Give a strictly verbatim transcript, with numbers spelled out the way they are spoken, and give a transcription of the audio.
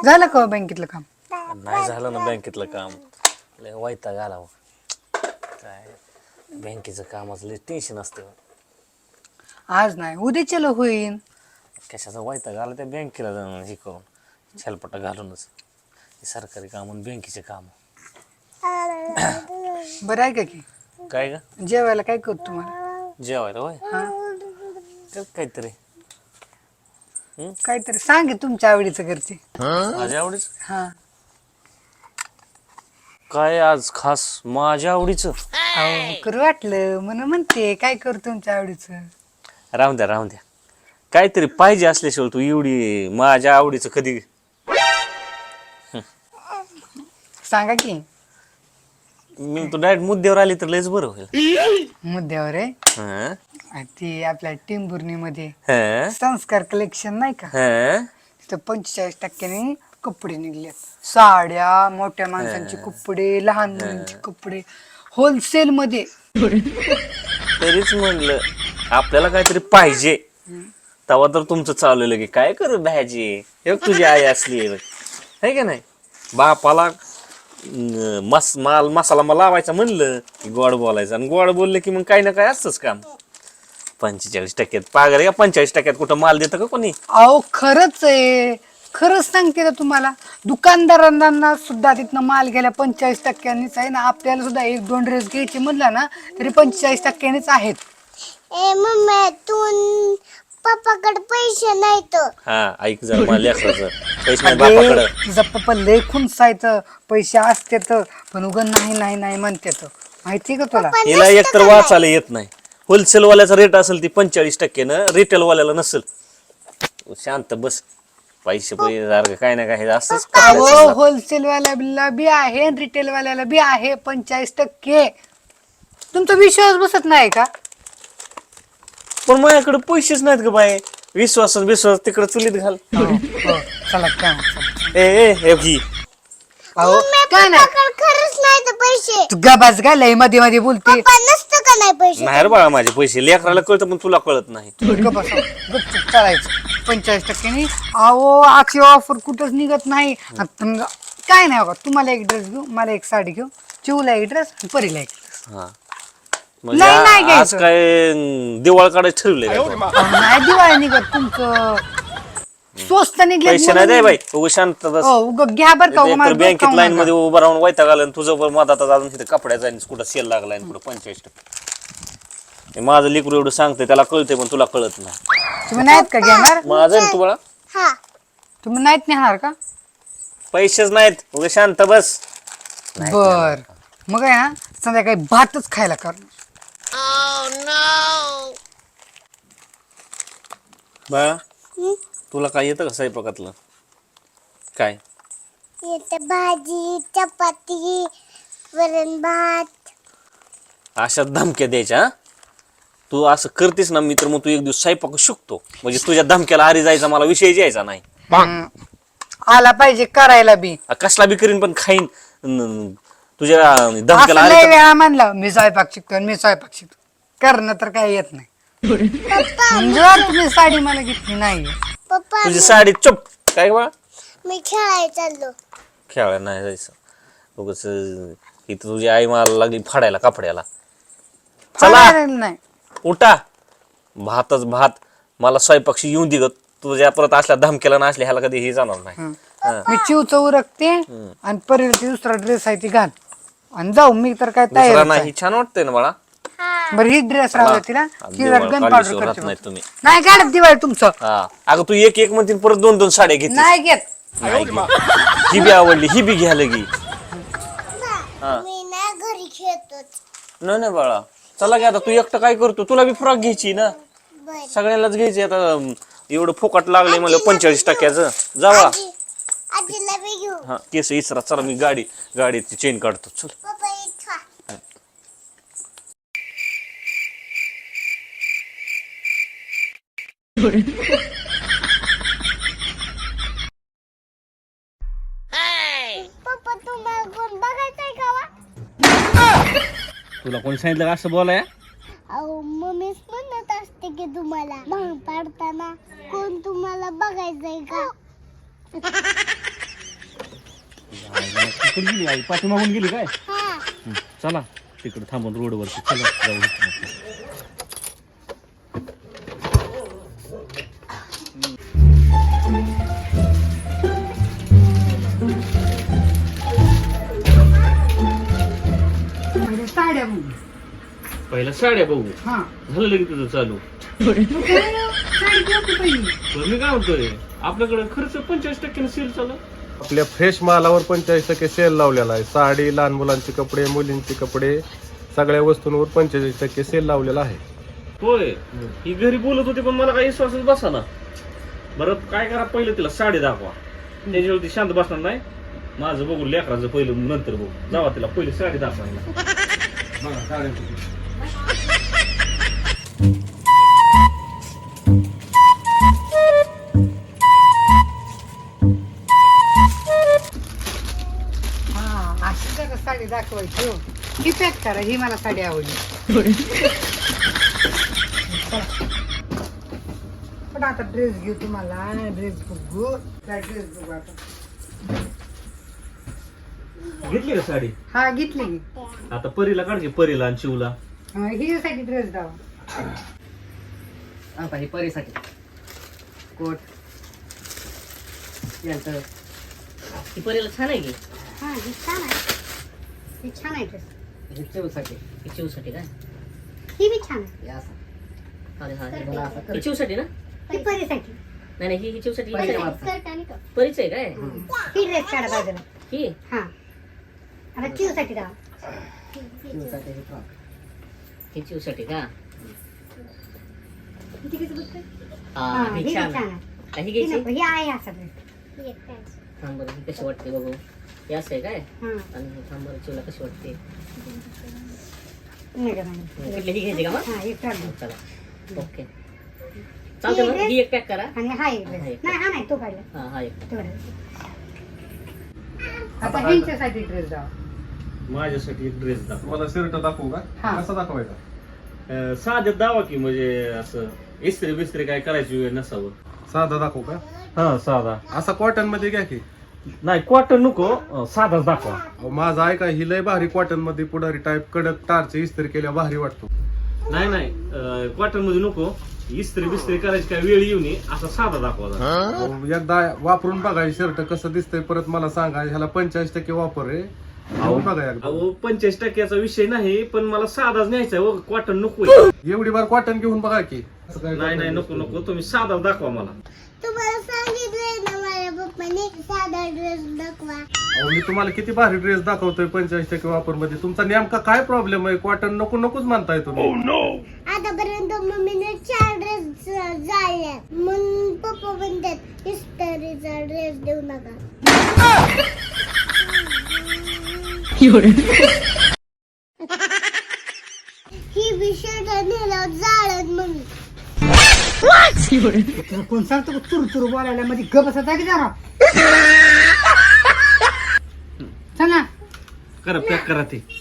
झालं का बँकेतलं काम? नाही झालं ना बँकेतलं काम. लय वैताग आला हो. काय बँकेचं कामाचं लय टेन्शन असतं. आज नाही उद्याच्याला होईन. कशाचा वैताग आला त्या बँकेला जाऊन हे करून छलपटा घालूनच. सरकारी काम आणि बँकेचे काम. बरं आहे का की काय ग जेवायला काय करतो तुम्हाला? जेवायला होय हा तर काहीतरी काहीतरी सांगे तुमच्या आवडीचं घरचे. माझ्या आवडीच हा काय आज खास माझ्या आवडीचं. अहो करू वाटलं म्हणून म्हणते काय करू तुमच्या आवडीचं. राहून द्या राहून द्या काहीतरी पाहिजे असल्याशिवाय तू एवढी माझ्या आवडीचं कधी. सांगा की. मी तू डायरेक्ट मुद्द्यावर आली तर लयच बरं होईल. मुद्द्यावर आहे हं? ती आपल्या टिंबुर्णी मध्ये हं? संस्कार कलेक्शन नाही का, हं? तिथं पंचेचाळीस टक्क्याने कपडे निघले. साड्या, मोठ्या माणसांचे कपडे, लहान मुलांचे कपडे होलसेल मध्ये. तरीच म्हणलं आपल्याला काहीतरी पाहिजे तेव्हा तर तुमचं चाललेलं की काय करू भाजी हे तुझी आई असली आहे का नाही. बापाला मस माल मसाला मला लावायचा म्हणलं की गोड बोलायचं आणि गोड बोललं की मग काही ना काय असतंच काम. पंचेचाळीस टक्क्यात पागल का पंचेचाळीस टक्क्यात कुठं माल देतं का कोणी. अहो खरंच आहे, खरंच सांगते ना तुम्हाला. दुकानदारांना सुद्धा तिथनं माल घ्यायला पंचेचाळीस टक्क्यांनीच आहे ना. आपल्याला सुद्धा एक दोन ड्रेस घ्यायचे म्हणलं ना तरी पंचेचाळीस टक्क्यांनीच आहेत. ए मम्मी तू पप्पाकडे पैसे नाहीत. हा ऐक जर मला लेकराचं पैसे नाही बापाकडं. तुझा पप्पा लय खुनसायचं पैसे असते तर पण उगं नाही नाही नाही म्हणते तर माहिती का तुला. हिला एकतर वाचायला येत नाही. होलसेल वाल्याचा रेट असेल ती पंचेचाळीस टक्क्यानं रिटेल वाल्याला नसेल. शांत बस पैसे पैसे काय ना काय असंच. होलसेल वाल्याला बी आहे रिटेल वाल्याला बी आहे पंचेचाळीस टक्के. तुमचा विश्वास बसत नाही का. पण माझ्याकडे पैसेच नाहीत ग बाय. विश्वास विश्वास तिकडे चुलीत घाल. हो, हो, चला काय मग. ए ए हे घी अहो काय नाही खरंच नाही तर पैसे. तू गबाज घालाय मध्ये मध्ये बोलते. पप्पा नसतं का नाही पैसे. नाही रे बाळा माझे पैसे लेकराला कळतं पण तुला कळत नाही. गप्प गपचूप चालायचं पंचेचाळीस टक्क्यांनी. अहो आखी ऑफर कुठंच निघत नाही. आता काय नाही बाबा, तुम्हाला एक ड्रेस घेऊ, मला एक साडी घेऊ, चिवला एक ड्रेस, परीला एक ड्रेस. हा म्हणजे नाही, नाही आ- आज घ्यायचं. काय दिवाळ काढायचं ठरवलंय का तू? नाही दिवाळी निघत तुमचं स्वस्त निघले. पैसे नाही दे बाई उगा शांत बस. हो उग घ्या बर का. उगा मला डोकं बँकेत खाऊ लाईन नका. मध्ये उभं राहून वैताग आलं आणि तुझं पण मधात अजून तिथे कपड्याचा आणि कुठं सेल लागलाय आणि कुठं पंचेचाळीस टक्के. माझं लेकरू एवढं सांगतंय त्याला कळतंय पण तुला कळत नाही. तुम्ही नाहीत का घेणार. माझं आहे ना तुम्हाला हा तुम्ही नाहीत नेणार का. पैसेच नाहीत उगा शांत बस. बर मग आहे ना संध्याकाळी भातच खायला करणार. बा तुला काय येतं का स्वयंपाकातलं काय. येते भाजी चपाती वरण भात. अशा धमक्या द्यायच्या हा? तू असं करतेस ना मी तर मग तू एक दिवस स्वयंपाक शिकतो म्हणजे तुझ्या धमक्याला आरी जायचा मला विषय यायचा नाही. हम्म. आला पाहिजे करायला बी. आ, कसला बी करीन पण खाईन न- तुझ्या असं धमक्याला आरी लय तर- वेळा म्हणलं मी स्वयंपाक शिकतो आणि मी स्वयंपाक शिकतो. करणं तर काही येत नाही. जर तुम्ही साडी मला घेतली नाही पप्पा तुझी साडी चुप काय बा मी खेळायला चाललो. खेळायला नाही जायचं उगाच इथं तुझी आई मला लागली फाडायला कपड्याला. चला फाडायला नाही. उठा भातच भात मला स्वयंपाकशी येऊन दिलं तुझ्या परत असल्या धमक्याला ना असल्या ह्याला कधी हे जाणार नाही. हा. मी चिवचं उरकते आणि परीला दुसरा ड्रेस आहे ती घाल आणि जाऊ. मी तर काय दुसरा तयार नाही छान वाटतंय ना बाळा. बरं ही ड्रेस राहू तिला आज ती दिवाळ गन काढल्याशिवाय पावडर राहत करते नाही तुम्ही. नाही काढत दिवाळी तुमचं. हा अगं तू एक एक म्हणतील परत दोन दोन साड्या घेतली. नाही घेत. ही बी आवडली ही बी घ्यायला गी. हा मी ना घरी खेळतोच. नाही नाही बाळा चला घ्या आता तू एकटं काय करतो तुला बी फ्रॉक घ्यायची ना बर सगळ्यांनाच घ्यायची. आता एवढं फुकट लागले मला पंचेचाळीस टक्क्याचं जावा. आजी आजीला बी घेऊ. हा केस इसरा चला मी गाडी गाडीची चेन काढतो चल. पप्पा इथं पप्पा तुम्हाला कोण बघायचंय का वा? तुला कोणी सांगितलं का असं बोलाय. अहो मम्मीच म्हणत असते की तुम्हाला भांग पाडताना कोण तुम्हाला बघायचंय का. तिकडे गेली आई पाठीमागून गेली काय हा हं, चला तिकडे थांबून रोडवरती चला जाऊ म्हणजे साड्या म्हणून पहिला साड्या बघू हा झालं लगेच तुझं चालू मग काय ना, साडी घेऊ की पहिली पण मी काय म्हणतोय आपल्याकडे खर्च पंचेचाळीस टक्क्याने सेल चालू आपल्या फ्रेश मालावर पंचेचाळीस टक्के सेल लावलेला आहे. साडी, लहान मुलांचे कपडे, मुलींचे कपडे, सगळ्या वस्तूंवर पंचेचाळीस टक्के सेल लावलेला आहे. होय ही घरी बोलत होती पण मला काही विश्वासच बसा ना बरं काय करा पहिलं तिला साडी दाखवा त्याच्यावर ती शांत बसणार नाही माझं बघू लेकराचं पहिलं नंतर बघू जावा तिला पहिली साडी दाखवायला हा अशी जरा साडी दाखवायची हो ही पॅक करा ही मला साडी आवडली पण आता ड्रेस घेऊ तुम्हाला ड्रेस बघू ड्रेस बघू आता घेतली का साडी हा घेतली की. आता परीला काढ की परीला आणि शिवला हा, हिच्यासाठी ड्रेस दावा आता ही परीसाठी कोट यांचं ही परीला छान आहे की हा ही छान आहे ही छान आहे ड्रेस ही चिवसाठी ही चिवसाठी काय ही बी छान आहे हे असं अरे हा हे करते. मला असं कर. ही चिवसाठी ना ही परीसाठी नाही नाही ही ही चिवसाठी ही परी- कशाला? स्कर्ट आणि टॉप परीच आहे काय ही ड्रेस काढा बाजूला ही हा आता चिवसाठी दावा चिवसाठी ही फ्रॉक ही चिवसाठी का किती किती बघतोय हा हा ही ही बी छान छान आहे आहे हा, ही ही घ्यायची नको, ही आहे असा ड्रेस थांब बरं ही कशी वाटते बघू हे असं आहे काय हा आणि ही थांब बरं चिवला कशी वाटते नाही का नाही कुठली ही घ्यायची का मग हा एक काढली चला ओके चालतं मग ही एक पॅक करा आणि हा एक ड्रेस हा, एक. नाही हा नाही तो काढला हा हा एक तो काढला आता ह्यांच्यासाठी ड्रेस दावा माझ्यासाठी एक ड्रेस दाखवा तुम्हाला शर्ट दाखवू का हा. कसा दाखवायचा अं, साधं दावा की म्हणजे असं इस्त्री बिस्त्री काय करायची वेळ नसावं साधा दाखवू का हा साधा असा कॉटन मध्ये घ्या की. नाही कॉटन नको अं, साधाच दाखवा अहो, माझा ऐका ही लय भारी कॉटन मध्ये पुढारी टाईप कडक टारचे इस्त्री केल्या भारी वाटतो. नाही नाही कॉटन मध्ये नको इस्त्री बिस्त्री करायची काय वेळ येऊ नये असा साधा दाखवा जरा. अहो, एकदा वापरून बघा शर्ट कसं दिसतंय परत मला सांगा ह्याला पंचेचाळीस टक्के वापर आहे. अहो बघा एकदा अहो, पंचेचाळीस टक्क्याचा विषय नाही पण मला साधाच न्यायचा आहे कॉटन नको एवढी बार कॉटन घेऊन बघा की असं काय नाही नाही नको नको तुम्ही साधा दाखवा मला तुम्हाला सांगितलंय ना माझ्या पप्पाने साधा ड्रेस दाखवा अहो, मी तुम्हाला किती भारी ड्रेस दाखवतोय पंचेचाळीस टक्के वापर मध्ये तुमचा नेमका काय प्रॉब्लेम आहे कॉटन नको नकोच म्हणताय तुम्ही. आतापर्यंत मम्मीने चार ड्रेस जाळले मग पप्पा म्हणतात इस्त्रीचा ड्रेस देऊ नका ही विषय नेला जाळत मग तुला कोण सांगतो चुर चुर बोलायला मध्ये ग बसायचा की जरा चला करा पॅक करा ते